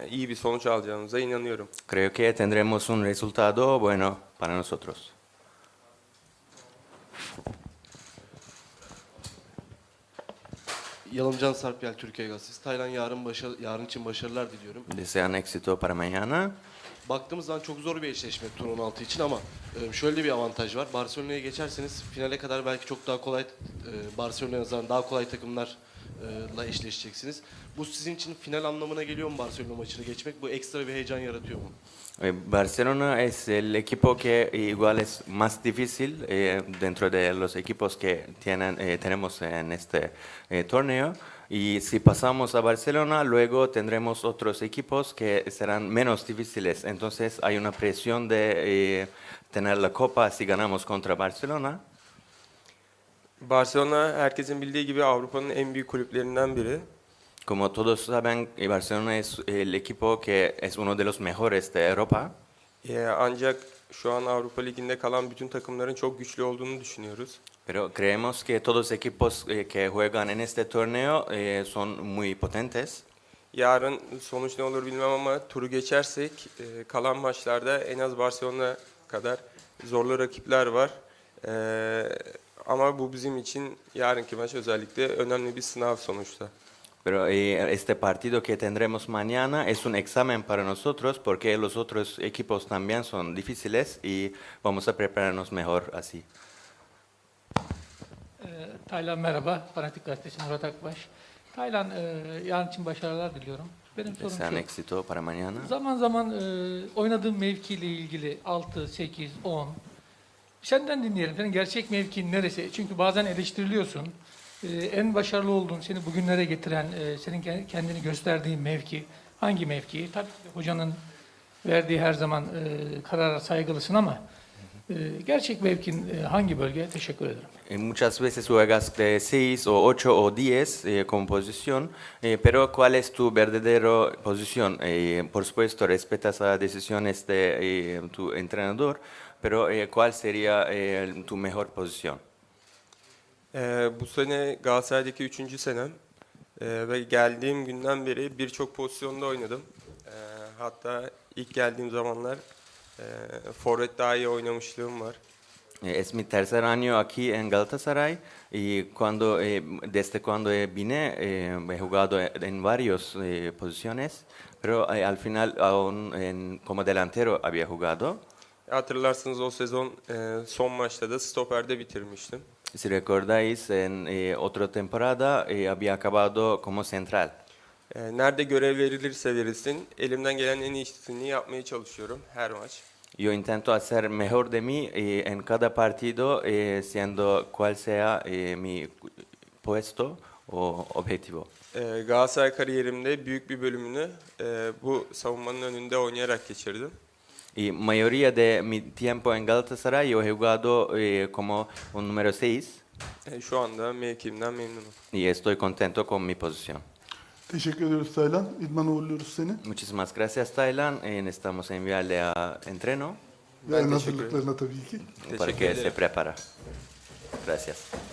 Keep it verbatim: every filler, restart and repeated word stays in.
iyi bir sonuç alacağımıza inanıyorum. Creo que tendremos un resultado bueno para nosotros. Yalımcan Sarpyel, Türkiye Gazetesi. Taylan yarın başarı, yarın için başarılar diliyorum. Desean éxito para mañana. Baktığımız zaman çok zor bir eşleşme tur on altı için ama e, şöyle bir avantaj var. Barcelona'ya geçerseniz finale kadar belki çok daha kolay, e, Barcelona'ya nazaran daha kolay takımlarla eşleşeceksiniz. Bu sizin için final anlamına geliyor mu Barcelona maçını geçmek? Bu ekstra bir heyecan yaratıyor mu? Eh, Barcelona es el equipo que igual es más difícil eh, dentro de los equipos que tienen, eh, tenemos en este eh, torneo. Y si pasamos a Barcelona, luego tendremos otros equipos que serán menos difíciles. Entonces hay una presión de eh, tener la copa si ganamos contra Barcelona. Barcelona herkesin bildiği gibi Avrupa'nın en büyük kulüplerinden biri. Como todos saben, eh, Barcelona es el equipo que es uno de los mejores de Europa. Ee, ancak şu an Avrupa Ligi'nde kalan bütün takımların çok güçlü olduğunu düşünüyoruz. Pero creemos que todos los equipos eh, que juegan en este torneo eh, son muy potentes. Yarın sonuç ne olur bilmem ama turu geçersek e, kalan maçlarda en az Barcelona kadar zorlu rakipler var. Ee, ama bu bizim için yarınki maç özellikle önemli bir sınav sonuçta. Pero eh, este partido que tendremos mañana es un examen para nosotros porque los otros equipos también son difíciles y vamos a prepararnos mejor así. Ee, Taylan merhaba, Fanatik Gazetesi Murat Akbaş. Taylan, e, yarın için başarılar diliyorum. Benim sorum Desean şu. éxito para mañana. Zaman zaman e, oynadığın mevkiyle ilgili altı, sekiz, on. Senden dinleyelim. Senin gerçek mevkin neresi? Çünkü bazen eleştiriliyorsun. E, en başarılı olduğun, seni bugünlere getiren, e, senin kendini gösterdiğin mevki hangi mevki? Tabii ki hocanın verdiği her zaman e, karara saygılısın ama e, gerçek mevkin e, hangi bölge? Teşekkür ederim. Eh, Muchas veces juegas de seis o ocho o diez eh, como posición, eh, pero ¿cuál es tu verdadero posición? Eh, por supuesto, respetas las decisiones de eh, tu entrenador, pero eh, ¿cuál sería eh, tu mejor posición? Ee, bu sene Galatasaray'daki üçüncü senem Ee, ve geldiğim günden beri birçok pozisyonda oynadım. Ee, hatta ilk geldiğim zamanlar e, forvet daha iyi oynamışlığım var. Eh, Es mi tercer año aquí en Galatasaray y cuando, eh, desde cuando eh, vine eh, he jugado en varias eh, posiciones, pero eh, al final aún en- como delantero había jugado. Hatırlarsınız o sezon e, son maçta da stoperde bitirmiştim. Si recordáis, en eh, otra temporada eh, había acabado como central. Ee, nerede görev verilirse verilsin elimden gelen en iyisini yapmaya çalışıyorum her maç. Yo intento hacer mejor de mí eh, en cada partido, eh, siendo cual sea eh, mi puesto o objetivo. Ee, Galatasaray kariyerimde büyük bir bölümünü e, bu savunmanın önünde oynayarak geçirdim. Y mayoría de mi tiempo en Galatasaray yo he jugado eh, como un número seis E, şu anda mevkimden memnunum. y estoy contento con mi posición. Teşekkür ediyoruz Taylan. İdman'a uğurluyoruz seni. Muchísimas gracias, Taylan. Eh, necesitamos enviarle a entreno Ve en teşekkür hazırlıklarına tabii ki. para Teşekkür que ederim. se prepara. Gracias.